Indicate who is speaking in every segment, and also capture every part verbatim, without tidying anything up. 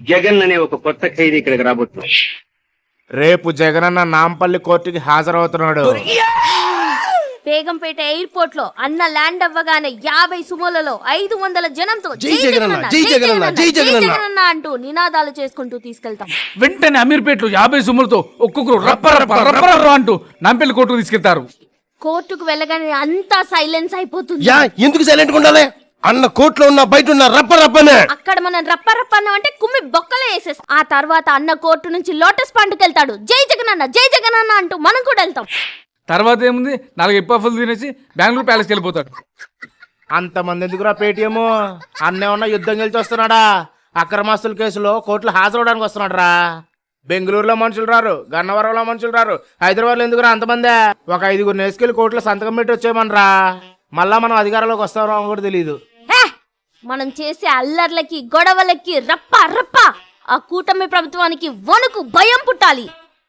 Speaker 1: జగన్ అనే ఒక కొత్త ఖైదీ ఇక్కడికి రాబోతుంది.
Speaker 2: రేపు జగనన్న నాంపల్లి కోర్టుకి హాజరవుతున్నాడు.
Speaker 3: బేగంపేట ఎయిర్పోర్ట్ లో అన్న ల్యాండ్ అవ్వగానే యాభై సుమోలలో ఐదు వందల జనంతో
Speaker 4: జై జగనన్న జై జగనన్న జై జగనన్న
Speaker 3: అంటూ నినాదాలు చేసుకుంటూ తీసుకెళ్తాం.
Speaker 5: వెంటనే అమీర్పేటలో యాభై సుమ్ములతో ఒక్కొక్కరు రప్ప రప్ప రప్ప రప్ప అంటూ నాంపల్లి కోర్టుకు తీసుకెళ్తారు.
Speaker 3: కోర్టుకు వెళ్ళగానే అంతా సైలెన్స్ అయిపోతుంది.
Speaker 4: యా ఎందుకు సైలెంట్ గా ఉండాలి? అన్న కోర్టులో ఉన్న బయట ఉన్న రప్ప రప్పనే.
Speaker 3: అక్కడ మనం రప్ప రప్ప అన్న అంటే కుమ్మి బొక్కలే వేసేస్తాం. ఆ తర్వాత అన్న కోర్టు నుంచి లోటస్ పండుకి వెళ్తాడు. జై జగనన్న జై జగనన్న అంటూ మనం కూడా వెళ్తాం.
Speaker 5: తర్వాత ఏముంది, నాలుగు ఎప్పఫులు తినేసి బెంగళూరు ప్యాలెస్కి వెళ్ళిపోతాడు.
Speaker 2: అంతమంది ఎందుకురా పేటీఎం? అన్నేమన్నా యుద్ధం గెలిచి వస్తున్నాడా? అక్రమాస్తుల కేసులో కోర్టులో హాజరవడానికి వస్తున్నాడు రా. బెంగళూరులో మనుషులు రారు, గన్నవరంలో మనుషులు రారు, హైదరాబాద్లో ఎందుకురా అంతమందే? ఒక ఐదుగురు నేసుకెళ్ళి కోర్టులో సంతకం పెట్టి వచ్చేయమనరా. మళ్ళా మనం అధికారంలోకి వస్తామో కూడా తెలియదు.
Speaker 3: మనం చేసే అల్లర్లకి గొడవలకి రప్ప రప్ప ఆ కూటమి ప్రభుత్వానికి వణుకు భయం పుట్టాలి.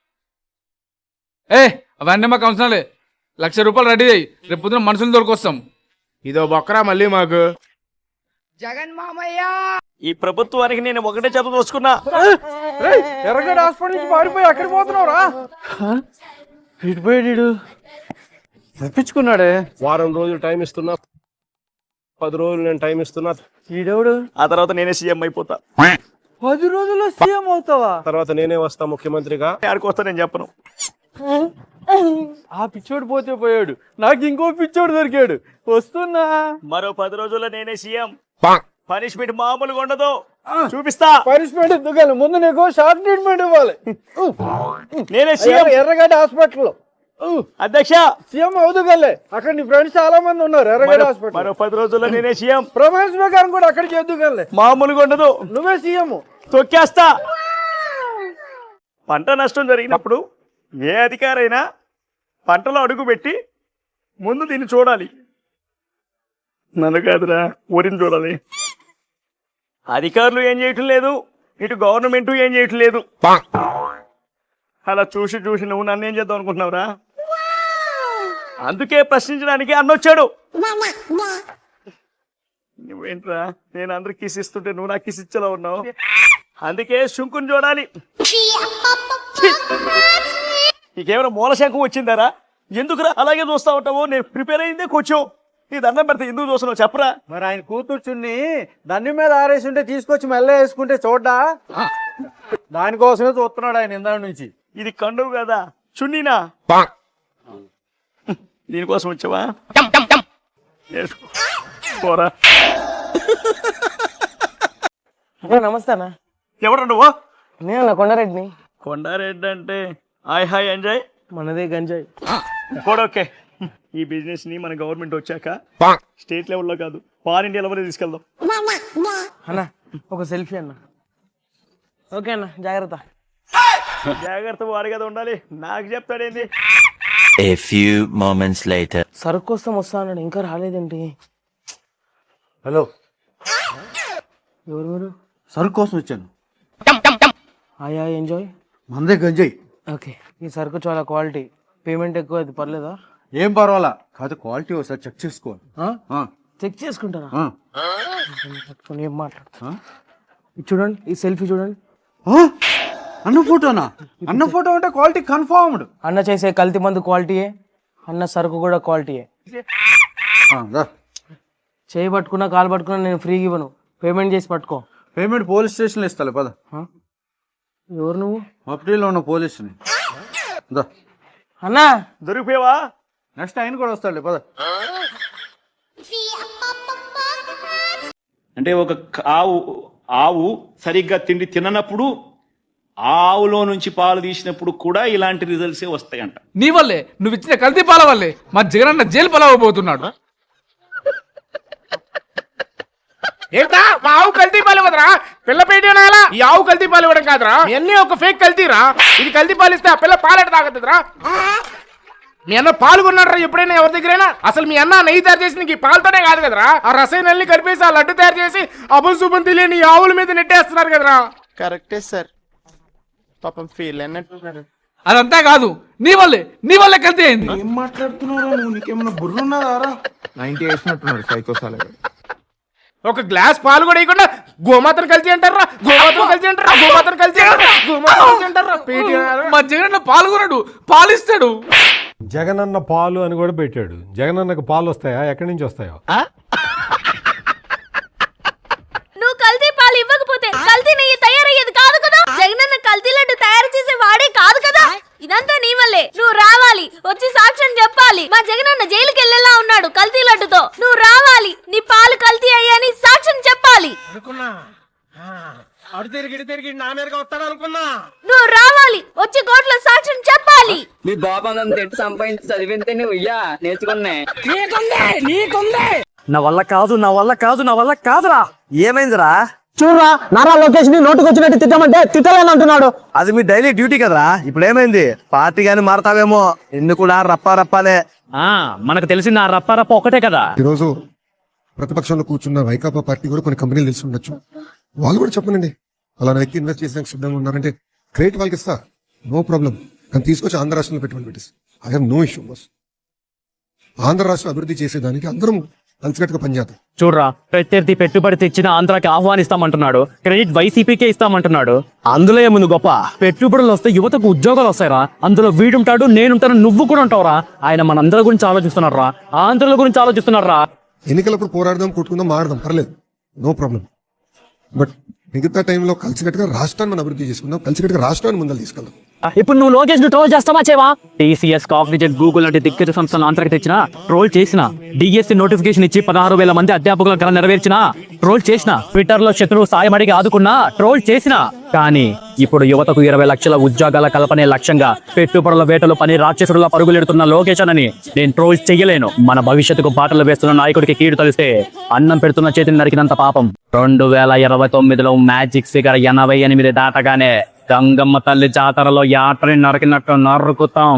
Speaker 5: ఏ అవన్నీ మాకు అవసరాలే. లక్ష రూపాయలు రెడీ అయ్యి రేపు పొద్దున మనుషులు దొరికొస్తాం.
Speaker 2: ఇదో బొక్కరా మళ్ళీ మాకు.
Speaker 6: జగన్ మామయ్య, ఈ ప్రభుత్వానికి నేను ఒకటే చెప్ప దోసుకున్నా.
Speaker 7: ఎర్రగడ్డ హాస్పిటల్ నుంచి పారిపోయి అక్కడికి పోతున్నావురా? ఇటు పోయాడు, తప్పించుకున్నాడే.
Speaker 8: వారం రోజులు టైం ఇస్తున్నా, పది రోజులు నేను టైం ఇస్తున్నా.
Speaker 7: ఈడెవడు?
Speaker 6: ఆ తర్వాత నేనే సీఎం అయిపోతా.
Speaker 7: పది రోజుల్లో సీఎం అవుతావా?
Speaker 8: తర్వాత నేనే వస్తా ముఖ్యమంత్రిగా.
Speaker 6: ఆడికి వస్తా నేను చెప్పను.
Speaker 7: ఆ పిచ్చోడు పోతే పోయాడు, నాకు ఇంకో పిచ్చోడు దొరికాడు. వస్తున్నా.
Speaker 6: మరో పది రోజుల్లో నేనే సీఎం. పనిష్మెంట్ మామూలుగా ఉండదు, చూపిస్తా.
Speaker 7: పనిష్మెంట్ ఎందుకు? ముందు నీకు షార్ట్ ట్రీట్మెంట్ ఇవ్వాలి.
Speaker 6: నేనే సీఎం
Speaker 7: ఎర్రగడ్డ హాస్పిటల్
Speaker 6: అధ్యక్ష.
Speaker 7: సీఎం అవుదుగలే. అక్కడ నీ ఫ్రెండ్స్ చాలా మంది ఉన్నారు ఎర్రగడ్డ హాస్పిటల్.
Speaker 6: మరో పది రోజుల్లో నేనే సీఎం.
Speaker 7: ప్రమాణ స్వీకారం కూడా అక్కడ చేద్దుగలే.
Speaker 6: మామూలుగా ఉండదు,
Speaker 7: నువ్వే సీఎం.
Speaker 6: తొక్కేస్తా. పంట నష్టం జరిగినప్పుడు ఏ అధికారైనా పంటలో అడుగు పెట్టి ముందు దీన్ని చూడాలి. నన్ను కాదురా, ఊరిని చూడాలి. అధికారులు ఏం చేయటం లేదు, ఇటు గవర్నమెంట్ ఏం చేయటం లేదు. అలా చూసి చూసి నువ్వు నన్ను ఏం చేద్దాం అనుకుంటున్నావురా? అందుకే ప్రశ్నించడానికి అన్నొచ్చాడు. నువ్వేంట్రా, నేను అందరికి కిస్ ఇస్తుంటే నువ్వు నాకు కిస్ ఇచ్చేలా ఉన్నావు. అందుకే శంకుని చూడాలి. నీకేమైనా మూల శంఖం వచ్చిందారా? ఎందుకురా అలాగే చూస్తా ఉంటావు? నేను ప్రిపేర్ అయిందే కొంచెం. నీ దండం పెడితే ఎందుకు చూస్తున్నావు చెప్పరా?
Speaker 7: మరి ఆయన కూతుర్చుని దండి మీద ఆరేసి ఉంటే తీసుకొచ్చి మెల్ల వేసుకుంటే చూడ్డా? దానికోసమే చూస్తున్నాడు ఆయన ఇందా నుంచి.
Speaker 6: ఇది కండువు కదా, చున్నీనా? దీనికోసం వచ్చావా? పోరా.
Speaker 7: నమస్తే అన్న.
Speaker 6: ఎవరు నువ్వు?
Speaker 7: నేను కొండారెడ్డిని.
Speaker 6: కొండారెడ్డి అంటే హాయ్ హాయ్ ఎంజాయ్.
Speaker 7: మనదే గంజాయి
Speaker 6: కూడా ఓకే. ఈ బిజినెస్ ని మన గవర్నమెంట్ వచ్చాక స్టేట్ లెవెల్లో కాదు, పాన్ ఇండియా లెవెల్ తీసుకెళ్దాం.
Speaker 7: అన్న ఒక సెల్ఫీ అన్న. ఓకే అన్న, జాగ్రత్త.
Speaker 6: జాగ్రత్త వారి కదా ఉండాలి, నాకు చెప్తాడేంది?
Speaker 9: A few moments later.
Speaker 7: సరుకు కోసం వస్తా అన్నాడు, ఇంకా రాలేదేంటి? హలో, ఎవరు మీరు?
Speaker 10: సరుకు కోసం వచ్చాను.
Speaker 7: ఆయా ఎంజాయ్.
Speaker 10: మందే గంజాయి.
Speaker 7: ఓకే, ఈ సరుకు చాలా క్వాలిటీ, పేమెంట్ ఎక్కువ, అది పర్లేదా?
Speaker 10: ఏం పర్వాలా, కాదు క్వాలిటీ ఒకసారి చెక్ చేసుకోవాలి.
Speaker 7: చెక్ చేసుకుంటారా? పట్టుకొని ఏం మాట్లాడుతా? ఇది చూడండి, ఈ సెల్ఫీ చూడండి.
Speaker 10: అన్న ఫోటోనా? అన్న ఫోటో అంటే క్వాలిటీ కన్ఫర్మ్డ్.
Speaker 7: అన్న చేసే కల్తీ మందు క్వాలిటీయే, అన్న సరుకు కూడా క్వాలిటీయే. చేయి పట్టుకున్నా కాలు పట్టుకున్నా నేను ఫ్రీగా ఇవ్వను, పేమెంట్ చేసి పట్టుకో.
Speaker 10: పేమెంట్ పోలీస్ స్టేషన్లో ఇస్తాలే పద.
Speaker 7: ఎవరు నువ్వు?
Speaker 10: మఫ్టీలో ఉన్న పోలీసుని.
Speaker 7: అన్నా
Speaker 6: దొరికిపోయావా?
Speaker 10: నెక్స్ట్ ఆయన కూడా వస్తాడులే పద.
Speaker 11: అంటే ఒక ఆవు ఆవు సరిగ్గా తిండి తిననప్పుడు ఆవులో నుంచి పాలు తీసినప్పుడు కూడా ఇలాంటి రిజల్ట్సే వస్తాయంట.
Speaker 5: నీ వల్లే, నువ్వు ఇచ్చిన కల్తీ పాల వల్లే మా జగనన్న జైలు పాలవబోతున్నాడు.
Speaker 2: ఏంటా మా ఆవు కల్తీ పాలు ఇవ్వదురా? పిల్ల పేటేనాలా? ఈ ఆవు కల్తీ పాలు ఇవ్వడం కాదురా, ఇవన్నీ ఒక ఫేక్ కల్తీరా. ఇది కల్తీ పాలు ఇస్తే ఆ పిల్ల పాలెట తాగుతుందిరా. మీ అన్న పాలు కొన్నాడరా ఎప్పుడైనా ఎవరి దగ్గరైనా? అసలు మీ అన్న నెయ్యి తయారు చేసి నీకు పాలతోనే కాదు కదరా, ఆ రసాయనాల్ని కలిపేసి ఆ లడ్డు తయారు చేసి అభుశుభం తెలియని ఆవుల మీద నెట్టేస్తున్నారు కదరా. కరెక్టే సార్, పాపం ఫీల్ అన్నట్టున్నారు.
Speaker 5: అదంతా కాదు, నీ వల్లే నీ వల్లే కల్తీ అయింది.
Speaker 10: ఏం మాట్లాడుతున్నారా నువ్వు? నీకేమన్నా బుర్ర ఉన్నదారా? నైన్టీ వేసినట్టున్నాడు సైకోసాలే.
Speaker 2: ఒక గ్లాస్ పాలు కూడా ఇవ్వకుండా గోమాతను కలిసి అంటారా, గోమాతను కలిసి అంటారా.
Speaker 5: మా జగనన్న పాల్గొనడు, పాలిస్తాడు.
Speaker 8: జగనన్న పాలు అని కూడా పెట్టాడు. జగనన్నకు పాలు వస్తాయా? ఎక్కడి నుంచి వస్తాయో?
Speaker 3: నువ్వు కల్తీ పాలు ఇవ్వకపోతే కల్తీ నెయ్యి తయారయ్యేది కాదు కదా. జగనన్న కల్తీ లడ్డు తయారు చేసే వాడే కాదు కదా. ఇదంతా నీ వల్లే. నువ్వు రావాలి, వచ్చి సాక్ష్యం చెప్పాలి. మా జగనన్న జైలుకి వెళ్ళేలా ఉన్నాడు కల్తీ లడ్డుతో. నువ్వు రావాలి, నీ పాలు కల్తీ అయ్యాని సాక్ష్యం చెప్పాలి. నువ్వు రావాలి, వచ్చి కోర్టులో సాక్ష్యం చెప్పాలి.
Speaker 1: మీ బాబా సంపాదించి చదివితే నువ్వు ఇయ్యా నేర్చుకున్నా.
Speaker 7: నా వల్ల కాదు నా వల్ల కాదు నా వల్ల కాదురా. ఏమైందిరా?
Speaker 10: చూడరా, నారా లోకేష్ ని నోటుకు వచ్చినట్టు తిట్టమంటే తిట్టలేని అంటున్నాడు.
Speaker 7: అది మీ డైలీ డ్యూటీ కదరా. ఇప్పుడు ఏమైంది? పార్టీ గాని మారతావేమో. ఎందుకు నా రప్పా రప్పానే? మనకు తెలిసింది ఆ రప్పా రప్ప ఒకటే కదా.
Speaker 4: ఈరోజు ప్రతిపక్షంలో కూర్చున్న వైకాపా పార్టీ కూడా కొన్ని కంపెనీలు తెలిసి ఉండొచ్చు. వాళ్ళు కూడా చెప్పనండి, అలా వ్యక్తి ఇన్వెస్ట్ చేసేందుకు సిద్ధంగా ఉన్నారంటే క్రెడిట్ వాళ్ళకి ఇస్తా, నో ప్రాబ్లం. కానీ తీసుకొచ్చి ఆంధ్ర రాష్ట్రంలో పెట్టుబడి పెట్టేసి I have no issue boss. Andhra రాష్ట్రం అభివృద్ధి చేసేదానికి అందరం కలిసికట్టుగా పనిచేద్దాం.
Speaker 7: చూడరా, ప్రత్యర్థి పెట్టుబడి తెచ్చిన ఆంధ్రాకి ఆహ్వానిస్తామంటున్నాడు. క్రెడిట్ వైసీపీకే ఇస్తామంటున్నాడు. అందులో ఏముంది గొప్ప? పెట్టుబడులు వస్తే యువతకు ఉద్యోగాలు వస్తాయిరా. అందులో వీడుంటాడు, నేనుంటాను, నువ్వు కూడా ఉంటావురా. ఆయన మనందరి గురించి ఆలోచిస్తున్నారా, ఆంధ్రుల గురించి ఆలోచిస్తున్నారా.
Speaker 4: ఎన్నికలప్పుడు పోరాడదాం, కొట్టుకుందాం, మాడదాం, పర్లేదు, నో ప్రాబ్లం. బట్ మిగతా టైంలో కలిసికట్టుగా రాష్ట్రాన్ని మనం అభివృద్ధి చేసుకుందాం, కలిసికట్టుగా రాష్ట్రాన్ని ముందర తీసుకెళ్దాం.
Speaker 7: ఇప్పుడు నువ్వు లోకేష్ ను ట్రోల్ చేస్తావా చేవా? టీసీఎస్, కాగ్నిజెంట్, గూగుల్ లాంటి దిగ్గజ సంస్థలను ఆంధ్రాకి తెచ్చిన, ట్రోల్ చేసిన, డిఎస్సి నోటిఫికేషన్ ఇచ్చి పదహారు వేల మంది అధ్యాపకుల కళ నెరవేర్చిన, ట్రోల్ చేసిన, ట్విట్టర్ లో శత్రువు సాయం అడిగి ఆదుకున్నా, ట్రోల్ చేసిన. కానీ ఇప్పుడు యువతకు ఇరవై లక్షల ఉద్యోగాల కల్పనే లక్ష్యంగా పెట్టుబడుల వేటలు పని రాక్షసుడులా పరుగులెడుతున్న లోకేష్ అని నేను ట్రోల్ చెయ్యలేను. మన భవిష్యత్తుకు బాటలు వేస్తున్న నాయకుడికి కీడు తెలిస్తే అన్నం పెడుతున్న చేతిని నరికినంత పాపం. రెండు వేల ఇరవై తొమ్మిదిలో మ్యాజిక్ ఫిగర్ ఎనభై ఎనిమిది దాటగానే గంగమ్మ తల్లి జాతరలో యాత్రని నరికినట్టు నరుకుతాం.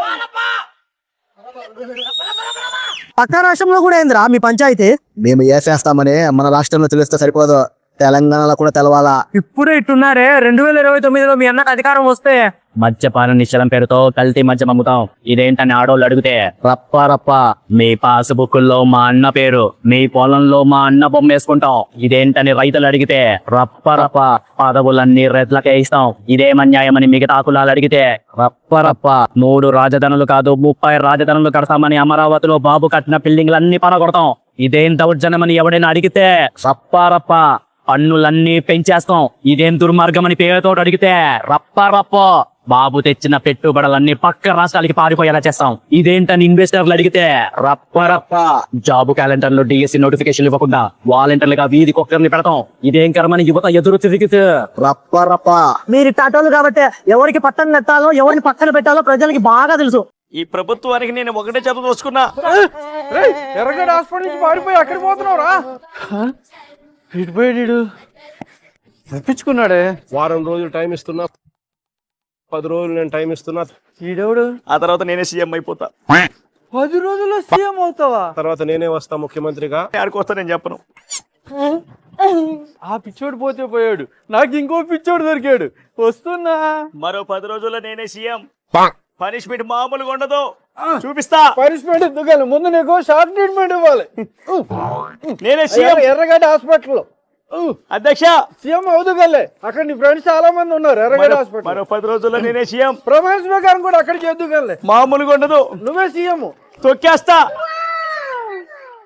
Speaker 10: పక్క రాష్ట్రంలో కూడా ఏందిరా మీ పంచాయతీ? మేము ఏసేస్తామని మన రాష్ట్రంలో తెలిస్తే సరిపోదు, తెలంగాణలో కూడా తెలవాలా.
Speaker 7: ఇప్పుడే ఇట్టున్నారే, రెండు వేల ఇరవై తొమ్మిదిలో మీ అన్నకు అధికారం వస్తే మద్యపాన నిశ్చలం పేరుతో కల్తీ మద్యం అమ్ముతాం. ఇదేంటని ఆడోళ్ళు అడిగితే రప్ప రప్ప మీ పాస్బుక్ లో మా అన్న పేరు, మీ పొలంలో మా అన్న బొమ్మ వేసుకుంటాం. ఇదేంటని రైతులు అడిగితే రప్ప రప్ప పదవులన్నీ రెట్లకే ఇస్తాం. ఇదేమన్యాయమని మిగతా కులాలు అడిగితే రప్ప రప్ప మూడు రాజధానులు కాదు ముప్పై రాజధానులు కడతామని అమరావతిలో బాబు కట్టిన బిల్డింగ్లన్నీ పనగొడతాం. ఇదేం దౌర్జన్యమని ఎవడైనా అడిగితే రప్ప రప్ప పన్నులన్నీ పెంచేస్తాం. ఇదేం దుర్మార్గం అని పేరుతో అడిగితే రప్ప రప్ప బాబు తెచ్చిన పెట్టుబడులన్నీ పక్క రాష్ట్రాలకి పారిపోయేలా చేస్తాం. ఇదేంటని ఇన్వెస్టర్లు అడిగితే రప్ప రప్ప జాబ్ క్యాలెండర్ లో డిఎస్సి నోటిఫికేషన్ ఇవ్వకుండా వాలంటీర్లుగా వీధికి ఒక్కరిని పెడతాం. ఇదేం కర్మని యువత ఎదురు తిరిగితే రప్ప రప్ప.
Speaker 10: మీరు టాటోలు కాబట్టి ఎవరికి పట్టణ నెట్టాలో ఎవరిని పక్కన పెట్టాలో ప్రజలకి బాగా తెలుసు.
Speaker 6: ఈ ప్రభుత్వానికి నేను ఒకటే చెప్ప చూసుకున్నా.
Speaker 7: ఎర్రగడ్డ హాస్పిటల్ నుంచి పారిపోయి అక్కడికి పోతున్నావురా? ఇటుపోయాడు, తప్పించుకున్నాడే.
Speaker 8: వారం రోజులు టైం ఇస్తున్నా, పది రోజులు నేను టైం ఇస్తున్నా.
Speaker 7: ఈడెవడు?
Speaker 6: ఆ తర్వాత నేనే సీఎం అయిపోతా.
Speaker 7: పది రోజుల్లో సీఎం అవుతావా?
Speaker 8: తర్వాత నేనే వస్తా ముఖ్యమంత్రిగా.
Speaker 6: ఆడికి వస్తా నేను చెప్పను.
Speaker 7: ఆ పిచ్చోడు పోతే పోయాడు, నాకు ఇంకో పిచ్చోడు దొరికాడు. వస్తున్నా.
Speaker 6: మరో పది రోజుల్లో నేనే సీఎం. పనిష్మెంట్ మామూలుగా ఉండదు, చూపిస్తా.
Speaker 7: పనిష్మెంట్ ఎందుకు? ముందు నీకు షార్ట్ ట్రీట్మెంట్ ఇవ్వాలి.
Speaker 6: నేనే సీఎం
Speaker 7: ఎర్రగడ్డ హాస్పిటల్
Speaker 6: అధ్యక్ష.
Speaker 7: సీఎం అవుతుగలే. అక్కడ నీ ఫ్రెండ్స్ చాలా మంది ఉన్నారు ఎర్రగడ్డ హాస్పిటల్.
Speaker 6: మరో పది రోజుల్లో నేనే సీఎం.
Speaker 7: ప్రమాణ స్వీకారం కూడా అక్కడికి ఎద్దుగలే.
Speaker 6: మామూలుగా ఉండదు,
Speaker 7: నువ్వే సీఎం.
Speaker 6: తొక్కేస్తా.